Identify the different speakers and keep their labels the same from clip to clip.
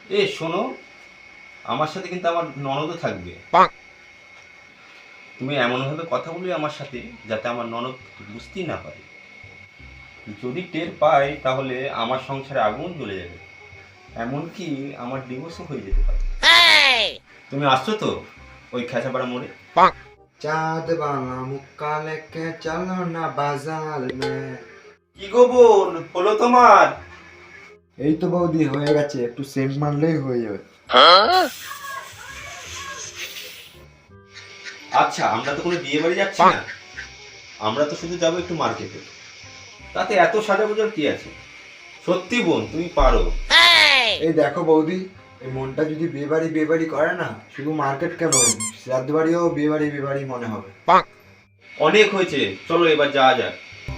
Speaker 1: এ শোনো, আমার সাথে কিন্তু আমার ননদও থাকবে। তুমি এমনভাবে কথা বলবে আমার সাথে যাতে আমার ননদ বুঝতেই না পারে। যদি টের পায় তাহলে আমার সংসারে আগুন জ্বলে যাবে, এমনকি আমার ডিভোর্সও হয়ে যেতে পারে। তুমি আসছো তো ওই খেঁচাপাড়া মোড়ে?
Speaker 2: चाँद वाला मुक्का लेके चलो ना बाजार में।
Speaker 1: কি গো বোন, হলো তোমার?
Speaker 2: এই তো বৌদি হয়ে গেছে, একটু সেন্ট মারলেই হয়ে যাবে।
Speaker 1: আচ্ছা, আমরা তো কোনো বিয়ে বাড়ি যাচ্ছি না, আমরা তো শুধু যাবো একটু মার্কেটে। তাতে এত সাজাগোজার কি আছে? সত্যি বোন, তুমি পারো।
Speaker 2: এই দেখো বৌদি, এই মনটা যদি বিয়ে বাড়ি করে না, শুধু মার্কেট কেন, শ্রাদ্ধ বাড়িও বিয়ে বাড়ি মনে হবে।
Speaker 1: অনেক হয়েছে, চলো এবার যাওয়া যাক।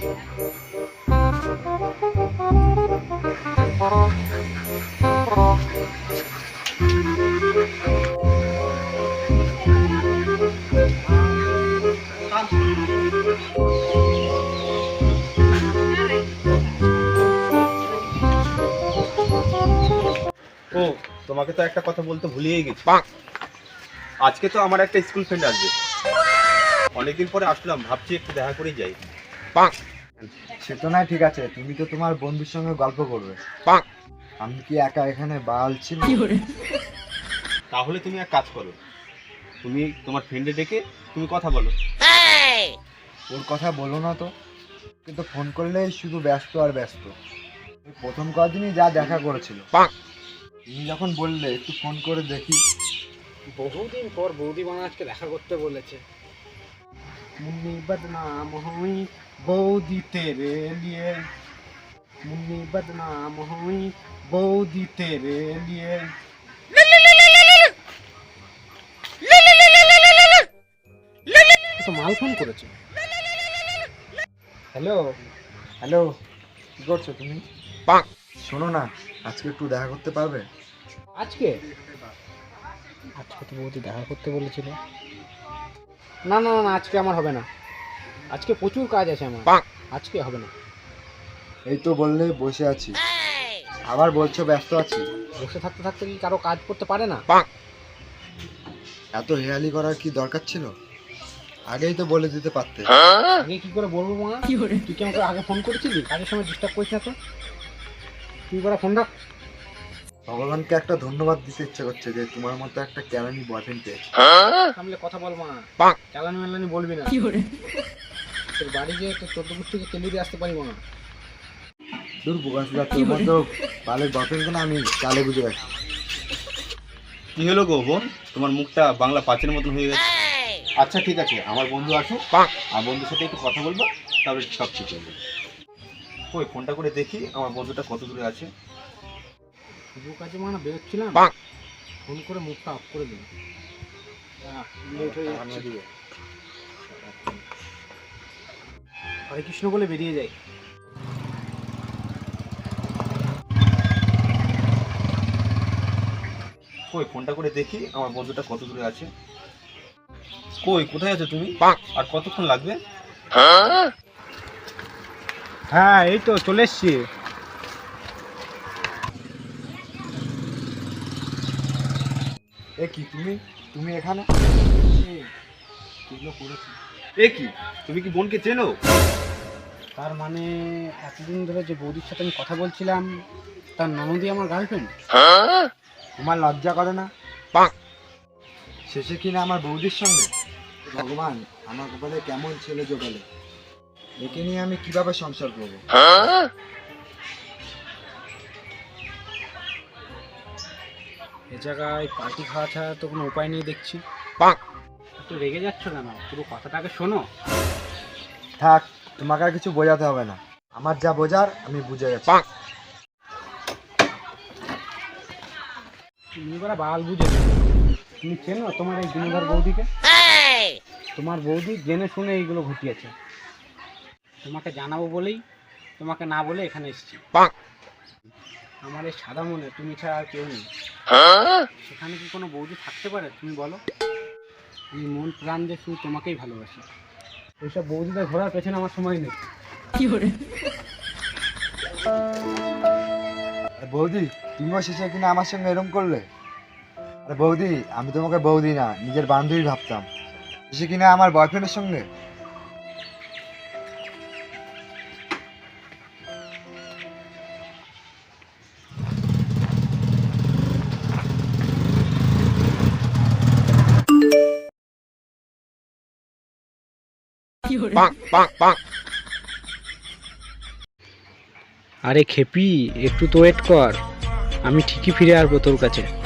Speaker 1: ও, তোমাকে তো একটা কথা বলতে ভুলিয়ে গেছি। আজকে তো আমার একটা স্কুল ফ্রেন্ড আসবে, অনেকদিন পরে আসলাম, ভাবছি একটু দেখা করেই যাই।
Speaker 2: সে তো নাই, ঠিক আছে, তুমি তো তোমার বন্ধুর সঙ্গে গল্প করবে, আমি কি একা এখানে বাল ছিল?
Speaker 1: তাহলে তুমি এক কাজ করো, তুমি তোমার ফ্রেন্ডে ডেকে তুমি কথা বলো।
Speaker 2: ওর কথা বলো না তো, কিন্তু ফোন করলেই শুধু ব্যস্ত আর ব্যস্ত। ওই প্রথম কদিনই যা দেখা করেছিল, তুমি যখন বললে একটু ফোন করে দেখি।
Speaker 3: বহুদিন পর বৌদি বানা আজকে দেখা করতে বলেছে। মুন্নি বদনাম হুই বৌদি তেরে লিয়ে, মুন্নি বদনাম হুই বৌদি তেরে লিয়ে। তো মাল ফোন করেছে। হ্যালো,
Speaker 2: হ্যালো, কি করছো তুমি? শোনো না, আজকে একটু দেখা করতে পারবে?
Speaker 3: আজকে আজকে তো বৌদি দেখা করতে বলেছিল। না না না, আজকে আমার হবে না, আজকে প্রচুর কাজ আছে আমার, আজকে হবে না।
Speaker 2: এই তো বললে বসে আছি, আবার বলছো ব্যস্ত আছি।
Speaker 3: বসে থাকতে থাকতে কি কারো কাজ করতে পারে না?
Speaker 2: এত হেয়ালি করার কি দরকার ছিল? আগেই তো বলে দিতে পারতে।
Speaker 3: আগে কি করে বলবো মা? তুই কি আমাকে আগে ফোন করেছিলি? কাজের সময় ডিস্টার্ব করিস না তো। তুই বড় ফোন রাখ।
Speaker 2: ভগবানকে একটা ধন্যবাদ দিতে ইচ্ছে করছে যে তোমার মতো একটা ক্যারানি বয়ফ্রেন্ড পেয়েছি।
Speaker 3: সামলে কথা বল মা, চালানি মালানি বলবি না। তোর বাড়ি গিয়ে তোর 14 থেকে কেলি দিয়ে আসতে পারি মা।
Speaker 2: দূর বোকাসুদা, তোর মতো বালের বয়ফ্রেন্ডকে না আমি চালে বুঝে রাখি।
Speaker 1: কি হলো গো বোন, তোমার মুখটা বাংলা পাঁচের মতন হয়ে গেছে। আচ্ছা ঠিক আছে, আমার বন্ধু আসুক, আর বন্ধুর সাথে একটু কথা বলবো, তারপরে সব ঠিক হয়ে যাবে। ওই ফোনটা করে দেখি আমার বন্ধুটা কত দূরে আছে।
Speaker 3: শুভ কাজে মানে বেরোচ্ছিলাম, ফোন করে মুখটা অফ করে দিল। লেট হয়ে যাচ্ছে। হরে কৃষ্ণ বলে বেরিয়ে যাই।
Speaker 1: কই ফোনটা করে দেখি আমার বন্ধুটা কত দূরে আছে। কই, কোথায় আছো তুমি? আর কতক্ষণ লাগবে?
Speaker 3: হ্যাঁ এই তো চলে এসছি।
Speaker 2: এ কি তুমি, তুমি এখানে?
Speaker 1: এ কি, তুমি কি বোনকে চেনো?
Speaker 3: তার মানে এতদিন ধরে যে বৌদির সাথে আমি কথা বলছিলাম, তার ননদই আমার গার্লফ্রেন্ড।
Speaker 2: তোমার লজ্জা করে না? শেষে কিনা আমার বৌদির সঙ্গে। ভগবান, আমার কপালে কেমন ছেলে জোগালে, একে নিয়ে আমি কিভাবে সংসার করবো?
Speaker 3: এ জায়গায় পার্টি খাওয়া ছাড়া তো কোনো উপায় নেই দেখছি। তো রেগে যাচ্ছ কেন? পুরো কথাটা আগে শোনো।
Speaker 2: থাক, তোমাকে আর কিছু বোঝাতে হবে না, আমার যা বোঝার আমি বুঝে গেছি।
Speaker 3: তুমি এবার বাল বুঝেছো। তুমি চেনো তোমার এই গুণধর বৌদিকে? তোমার বৌদি জেনে শুনে এইগুলো ঘটিয়েছে। তোমাকে জানাবো বলেই তোমাকে না বলে এখানে এসেছি। আমার এই সাদা মনে তুমি ছাড়া আর কেউ নেই। সেখানে কি কোনো বৌদি থাকতে পারে তুমি বলো? আমি মন প্রাণ দিয়ে শুধু তোমাকেই ভালোবাসি। ওইসব বৌদিদের ঘোরার পেছনে আমার সময় নেই।
Speaker 2: আরে বৌদি, তুমিও শেষে কিনা আমার সঙ্গে এরকম করলে? আরে বৌদি, আমি তোমাকে বৌদি না, নিজের বান্ধবী ভাবতাম, শেষে কিনা আমার বয়ফ্রেন্ডের সঙ্গে।
Speaker 3: আরে খেপি, একটু তো ওয়েট কর, আমি ঠিকই ফিরে আসবো তোর কাছে।